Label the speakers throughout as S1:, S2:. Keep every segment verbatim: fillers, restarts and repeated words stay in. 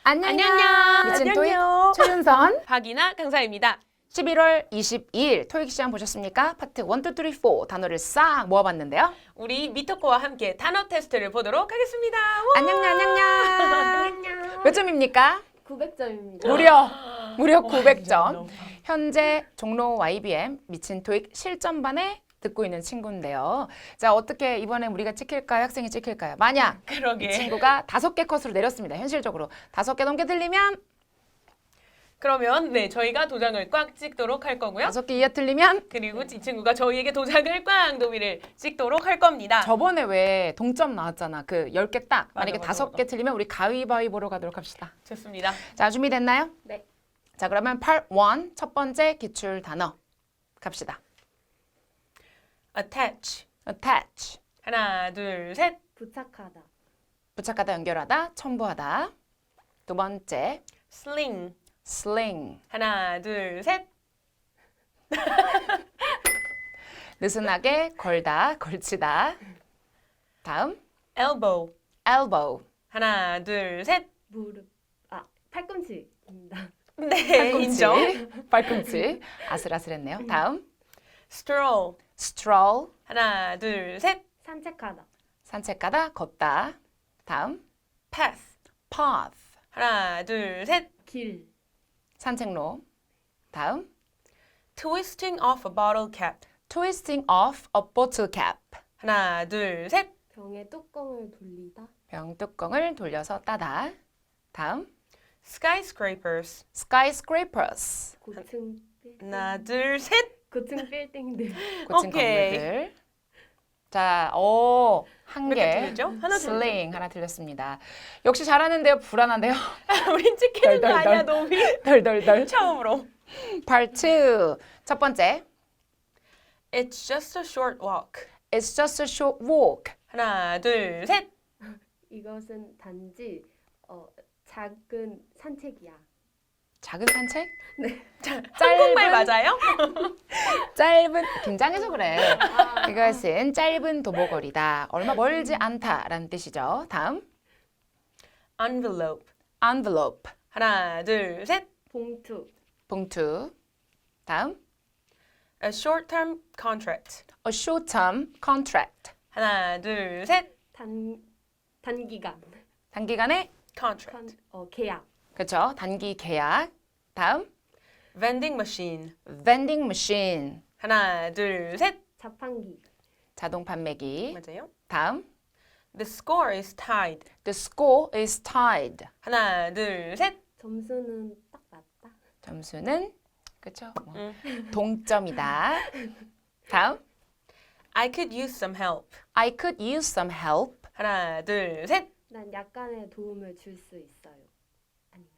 S1: 안녕요. 미친 토익 최윤선,
S2: 박이나 강사입니다.
S1: 십일월 이십이일 토익 시험 보셨습니까? 파트 일, 이, 삼, 사 단어를 싹 모아봤는데요.
S2: 우리 미토코와 함께 단어 테스트를 보도록 하겠습니다.
S1: 안녕요, 안녕요. 몇 점입니까?
S3: 구백 점입니다.
S1: 무려, 무려 구백 점.
S2: 너무
S1: 현재 종로 와이비엠 미친 토익 실전반에 듣고 있는 친구인데요. 자, 어떻게 이번에 우리가 찍힐까요? 학생이 찍힐까요? 만약
S2: 그러게.
S1: 이 친구가 다섯 개 컷으로 내렸습니다. 현실적으로 다섯 개 넘게 들리면,
S2: 그러면 네 저희가 도장을 꽉 찍도록 할 거고요.
S1: 다섯 개 이하 틀리면.
S2: 그리고 이 친구가 저희에게 도장을 꽉 도미를 찍도록 할 겁니다.
S1: 저번에 왜 동점 나왔잖아. 그 열 개 딱.
S2: 맞아,
S1: 만약에
S2: 맞아,
S1: 다섯
S2: 맞아.
S1: 개 틀리면 우리 가위바위보로 가도록 합시다.
S2: 좋습니다.
S1: 자, 준비됐나요?
S3: 네.
S1: 자, 그러면 파트 일 첫 번째 기출 단어 갑시다.
S2: attach.
S1: attach.
S2: 하나, 둘, 셋.
S3: 부착하다.
S1: 부착하다, 연결하다, 첨부하다. 두 번째
S2: sling.
S1: sling.
S2: 하나, 둘, 셋.
S1: 느슨하게 걸다, 걸치다. 다음
S2: elbow.
S1: elbow.
S2: 하나, 둘, 셋.
S3: 무릎. 아, 팔꿈치입니다.
S2: 네, 인정.
S1: 팔꿈치. 팔꿈치. 아슬아슬했네요. 다음
S2: stroll.
S1: stroll.
S2: 하나, 둘, 셋.
S3: 산책하다.
S1: 산책가다, 걷다. 다음
S2: path.
S1: path.
S2: 하나, 둘, 셋.
S3: 길.
S1: 산책로. 다음
S2: twisting off a bottle cap.
S1: twisting off a bottle cap.
S2: 하나, 둘, 셋.
S3: 병의 뚜껑을 돌리다.
S1: 병 뚜껑을 돌려서 따다. 다음
S2: skyscrapers.
S1: skyscrapers.
S3: 고층 빌딩.
S2: 하나, 둘, 셋.
S3: 고층 빌딩들.
S1: 고층
S2: 오케이.
S1: 건물들. 자, 오, 한
S2: 몇 개
S1: 개.
S2: 틀렸죠? 하나
S1: 슬링 하나 틀렸습니다. 역시 잘하는데요. 불안한데요.
S2: 우린 찍히는 거
S1: 덜, 덜,
S2: 아니야,
S1: 덜.
S2: 노미.
S1: 덜덜덜.
S2: 처음으로.
S1: Part 이. 첫 번째.
S2: It's just a short walk.
S1: It's just a short walk.
S2: 하나, 둘, 셋.
S3: 이것은 단지 어, 작은 산책이야.
S1: 작은 산책?
S2: 한국말 맞아요?
S1: 짧은 긴장해서 그래. 이것은 짧은 도보거리다. 얼마 멀지 않다라는 뜻이죠. 다음
S2: envelope.
S1: envelope.
S2: 하나, 둘, 셋.
S3: 봉투.
S1: 봉투. 다음
S2: A short-term contract.
S1: a short-term contract.
S2: 하나, 둘, 셋.
S3: 단 단기간.
S1: 단기간의
S2: contract.
S3: 컨, 어, 계약.
S1: 그렇죠. 단기 계약. 다음
S2: vending machine.
S1: vending machine.
S2: 하나, 둘, 셋.
S3: 자판기.
S1: 자동 판매기.
S2: 맞아요.
S1: 다음
S2: The score is tied.
S1: the score is tied.
S2: 하나, 둘, 셋.
S3: 점수는 딱 맞다.
S1: 점수는 그렇죠. 뭐,
S2: 음.
S1: 동점이다. 다음
S2: I could use some help.
S1: I could use some help.
S2: 하나, 둘, 셋.
S3: 난 약간의 도움을 줄 수 있어요. 아닌가요?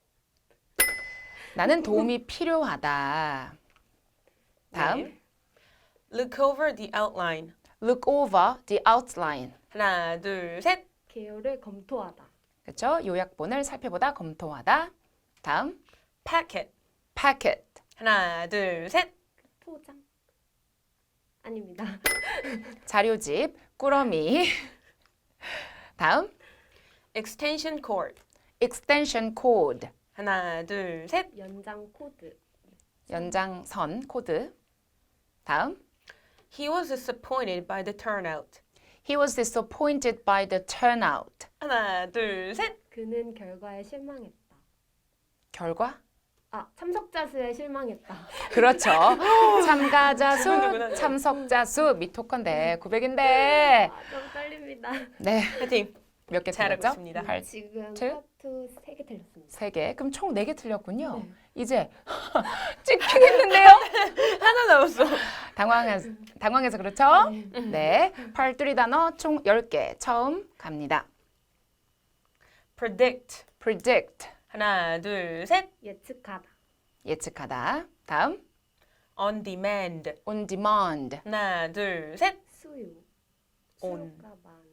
S1: 나는 도움이 필요하다. 다음
S2: 네. Look over the outline.
S1: look over the outline.
S2: 하나, 둘, 셋.
S3: 개요를 검토하다.
S1: 그렇죠? 요약본을 살펴보다 검토하다. 다음
S2: packet.
S1: packet.
S2: 하나, 둘, 셋.
S3: 포장. 아닙니다.
S1: 자료집, 꾸러미. 다음
S2: extension cord.
S1: extension code.
S2: 하나, 둘, 셋.
S3: 연장 코드.
S1: 연장선 코드. 다음
S2: He was disappointed by the turnout.
S1: he was disappointed by the turnout.
S2: 하나, 둘, 셋.
S3: 그는 결과에 실망했다.
S1: 결과?
S3: 아, 참석자 수에 실망했다.
S1: 그렇죠. 참가자
S2: 누구나.
S1: 수, 참석자 수 미토컨데 구백인데.
S3: 아, 너무 떨립니다.
S1: 네.
S2: 화이팅.
S1: 몇 개
S2: 잘하고
S1: 틀렸죠?
S2: 있습니다.
S1: 팔,
S3: 지금
S1: 칠?
S3: 파트 세 개 틀렸습니다.
S1: 세 개. 그럼 총 네 개 틀렸군요.
S3: 네.
S1: 이제 찍히겠는데요?
S2: 하나 남았어.
S1: 당황해서, 당황해서 그렇죠?
S3: 네.
S1: 네. 팔뚜리 단어 총 열 개. 처음 갑니다.
S2: predict.
S1: predict.
S2: 하나, 둘, 셋.
S3: 예측하다.
S1: 예측하다. 다음
S2: on demand.
S1: on demand.
S2: 하나, 둘, 셋.
S3: 수요.
S2: 온.
S3: 수요가 많은.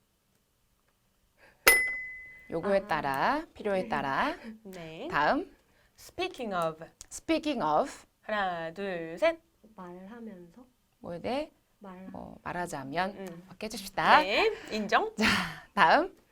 S1: 요구에
S3: 아.
S1: 따라, 필요에 따라.
S2: 네.
S1: 다음
S2: speaking of.
S1: speaking of.
S2: 하나, 둘, 셋.
S3: 말하면서
S1: 뭐에 대해
S3: 말
S1: 뭐 말하자면
S2: 음.
S1: 바꿔 해줍시다.
S2: 네. 인정.
S1: 다음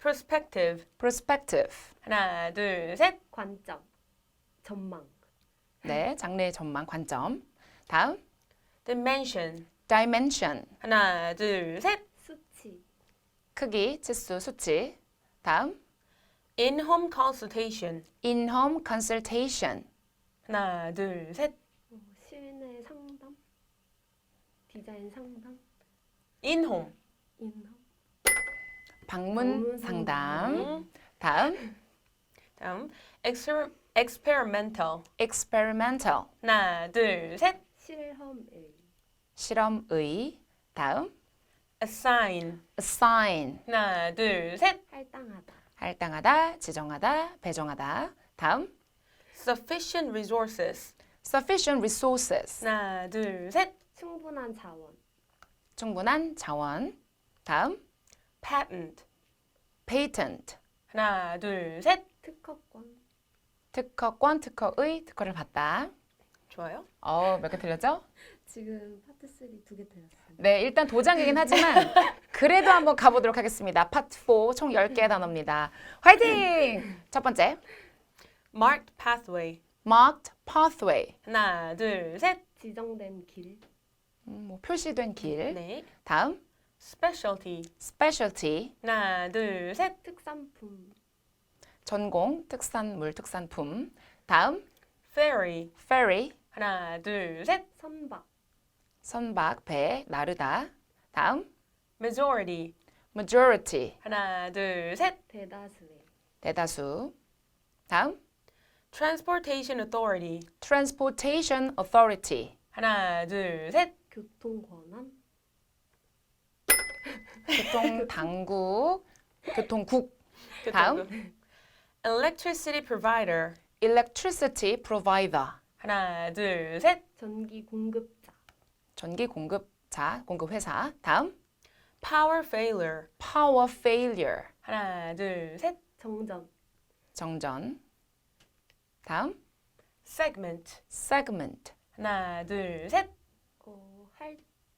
S2: perspective.
S1: perspective.
S2: 하나, 둘, 셋.
S3: 관점, 전망,
S1: 네, 장래의 전망, 관점. 다음,
S2: dimension.
S1: dimension.
S2: 하나, 둘, 셋.
S3: 수치,
S1: 크기, 치수, 수치. 다음,
S2: in-home consultation.
S1: in-home consultation.
S2: 하나, 둘, 셋.
S3: 어, 실내 상담, 디자인 상담,
S2: in-home.
S3: 인허,
S1: 방문
S3: 방문
S1: 상담.
S2: 음,
S1: 다음,
S2: 다음, exper, experimental.
S1: experimental.
S2: 하나, 둘, 셋.
S3: 실험의,
S1: 실험의. 다음,
S2: assign.
S1: assign.
S2: 하나, 둘, 셋.
S3: 할당하다,
S1: 할당하다, 지정하다, 배정하다. 다음,
S2: sufficient resources.
S1: sufficient resources.
S2: 하나, 둘, 셋.
S3: 충분한 자원,
S1: 충분한 자원. 다음,
S2: patent.
S1: patent.
S2: 하나, 둘, 셋.
S3: 특허권,
S1: 특허권, 특허의, 특허를 받다.
S2: 좋아요.
S1: 어, 몇 개 틀렸죠?
S3: 지금 파트 삼 두 개 들었습니다.
S1: 네, 일단 도장이긴 하지만 그래도 한번 가보도록 하겠습니다. 파트 사, 총 열 개의 단어입니다. 화이팅! 첫 번째,
S2: marked pathway.
S1: marked pathway.
S2: 하나, 둘, 셋.
S3: 지정된 길,
S1: 음, 뭐 표시된 길.
S2: 네.
S1: 다음,
S2: specialty.
S1: specialty.
S2: 하나, 둘, 셋.
S3: 특산품,
S1: 전공, 특산물, 특산품. 다음,
S2: ferry.
S1: ferry.
S2: 하나, 둘, 셋.
S3: 선박,
S1: 선박, 배, 나르다. 다음,
S2: majority.
S1: majority.
S2: 하나, 둘, 셋.
S3: 대다수의,
S1: 대다수. 다음,
S2: transportation authority.
S1: transportation authority.
S2: 하나, 둘, 셋.
S3: 교통권한,
S1: 교통당국, 교통국. 다음.
S2: electricity provider.
S1: electricity provider.
S2: 하나, 둘, 셋.
S3: 전기 공급자,
S1: 전기 공급자, 공급회사. 다음,
S2: power failure.
S1: power failure.
S2: 하나, 둘, 셋.
S3: 정전,
S1: 정전. 다음,
S2: segment.
S1: segment.
S2: 하나, 둘, 셋.
S3: 어, 할,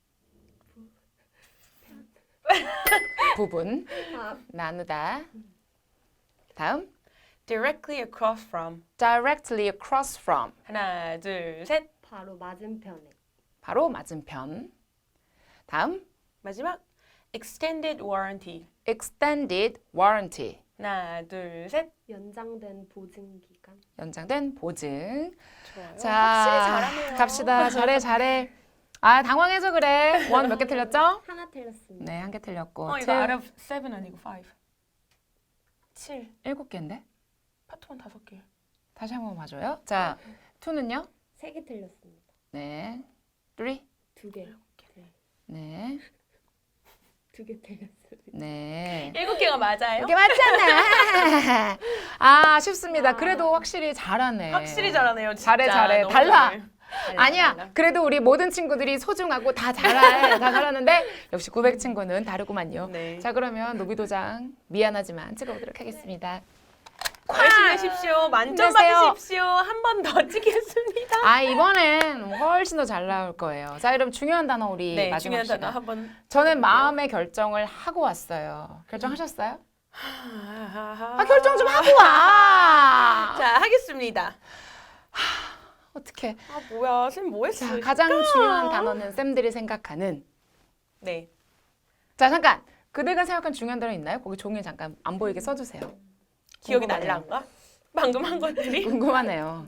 S1: 부분,
S3: 아,
S1: 나누다. 다음,
S2: directly across from.
S1: directly across from.
S2: 하나, 둘, 셋.
S3: 바로 맞은편에,
S1: 바로 맞은편. 다음,
S2: 마지막 extended warranty.
S1: extended warranty.
S2: 하나, 둘, 셋.
S3: 연장된 보증기간,
S1: 연장된 보증.
S2: 좋아요.
S1: 자,
S2: 확실히 잘하네요.
S1: 갑시다. 잘해, 잘해. 아, 당황해서 그래. 원 몇 개 틀렸죠?
S3: 하나 틀렸습니다.
S1: 네, 한 개 틀렸고.
S2: 어, 이거
S1: two,
S2: out of seven 아니고 five. 칠.
S1: 일곱 개인데?
S2: 파트원 다섯 개.
S1: 다시 한번 봐줘요. 자, 이는요?
S3: 세 개 틀렸습니다.
S1: 네. three.
S3: 두 개,
S1: 네.
S3: 두 개 틀렸습니다.
S1: 네.
S2: 일곱 개가 맞아요?
S1: 이게 맞잖아. 아, 쉽습니다. 그래도 확실히 잘하네.
S2: 확실히 잘하네요. 진짜.
S1: 잘해, 잘해.
S2: 너무
S1: 달라.
S2: 잘해. 달라,
S1: 아니야.
S2: 달라.
S1: 그래도 우리 모든 친구들이 소중하고 다 잘해. 다 잘하는데 역시 구백 친구는 다르구만요.
S2: 네.
S1: 자, 그러면 노비도장 미안하지만 찍어보도록 하겠습니다.
S2: 열심히 하십시오. 만점
S1: 힘내세요.
S2: 받으십시오. 한 번 더 찍겠습니다.
S1: 아, 이번엔 훨씬 더 잘 나올 거예요. 자, 여러분 중요한 단어 우리
S2: 네,
S1: 마지막
S2: 중요한 단어
S1: 시간.
S2: 한번.
S1: 저는 마음의 결정을 하고 왔어요. 결정하셨어요?
S2: 아,
S1: 아, 결정 좀 하고 와.
S2: 자, 하겠습니다.
S1: 어떻게?
S2: 아, 뭐야. 쌤 뭐 했어?
S1: 자, 가장 중요한 단어는 쌤들이 생각하는.
S2: 네.
S1: 자, 잠깐. 그대가 생각한 중요한 단어 있나요? 거기 종이 잠깐 안 보이게 써주세요.
S2: 기억이
S1: 궁금하네요.
S2: 날란가? 방금 한 것들이?
S1: 궁금하네요.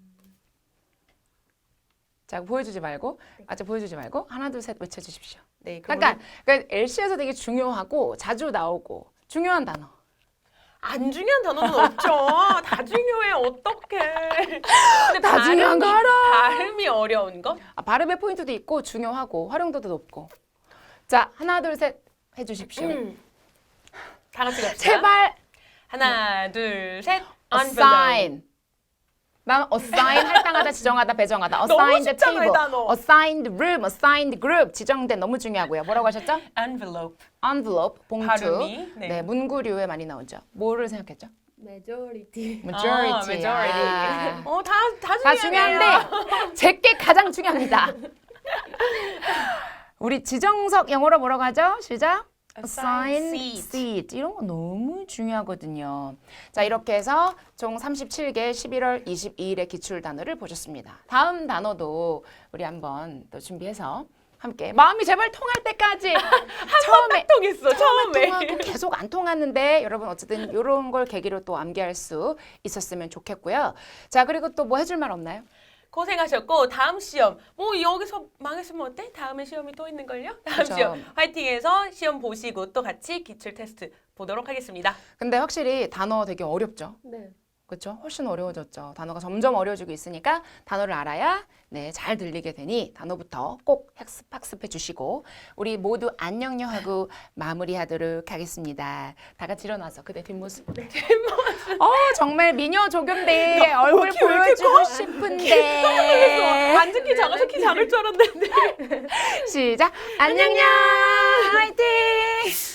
S1: 자, 보여주지 말고, 아직 보여주지 말고 하나, 둘, 셋 외쳐주십시오.
S2: 네, 그럼
S1: 잠깐. 그러니까 엘씨에서 되게 중요하고 자주 나오고 중요한 단어.
S2: 안 중요한 단어는 없죠. 다 중요해. 어떡해. 근데
S1: 다 중요한 거
S2: 발음이-
S1: 알아.
S2: 발음이 어려운 거?
S1: 아, 발음의 포인트도 있고 중요하고 활용도도 높고. 자, 하나, 둘, 셋 해주십시오.
S2: 음. 다 같이 갑시다.
S1: 제발.
S2: 하나, 둘, 셋. envelope.
S1: assign. 난 assign 할당하다, 지정하다, 배정하다.
S2: 너무
S1: assigned
S2: 쉽잖아, 이
S1: table,
S2: 단어.
S1: assigned room, assigned group 지정된 너무 중요하고요. 뭐라고 하셨죠?
S2: envelope.
S1: envelope 봉투.
S2: 발음이, 네.
S1: 네, 문구류에 많이 나오죠. 뭐를 생각했죠?
S3: majority,
S1: majority.
S2: 아, majority. 어, 다, 다
S1: 다
S2: 중요해요.
S1: 중요한데 제게 가장 중요합니다. 우리 지정석 영어로 뭐라고 하죠? 시작. assign seat 이런 거 너무 중요하거든요. 자, 이렇게 해서 총 삼십칠 개 십일월 이십이일의 기출 단어를 보셨습니다. 다음 단어도 우리 한번 또 준비해서 함께 마음이 제발 통할 때까지 처음에
S2: 통했어 처음에.
S1: 통하고 계속 안 통하는데 여러분 어쨌든 이런 걸 계기로 또 암기할 수 있었으면 좋겠고요. 자, 그리고 또 뭐 해줄 말 없나요?
S2: 고생하셨고 다음 시험 뭐 여기서 망했으면 어때? 다음에 시험이 또 있는걸요? 다음
S1: 그쵸.
S2: 시험 화이팅해서 시험 보시고 또 같이 기출 테스트 보도록 하겠습니다.
S1: 근데 확실히 단어 되게 어렵죠.
S3: 네.
S1: 그렇죠? 훨씬 어려워졌죠. 단어가 점점 어려워지고 있으니까 단어를 알아야 네, 잘 들리게 되니 단어부터 꼭 학습, 학습해 주시고 우리 모두 안녕요 하고 마무리하도록 하겠습니다. 다 같이 일어나서 그대 뒷모습. 네. 어, 정말 미녀 조경대 얼굴
S2: 키 왜 이렇게
S1: 보여주고
S2: 커?
S1: 싶은데.
S2: 앉은 키 작아서 키 작을 줄 알았는데.
S1: 시작. 안녕요. 화이팅.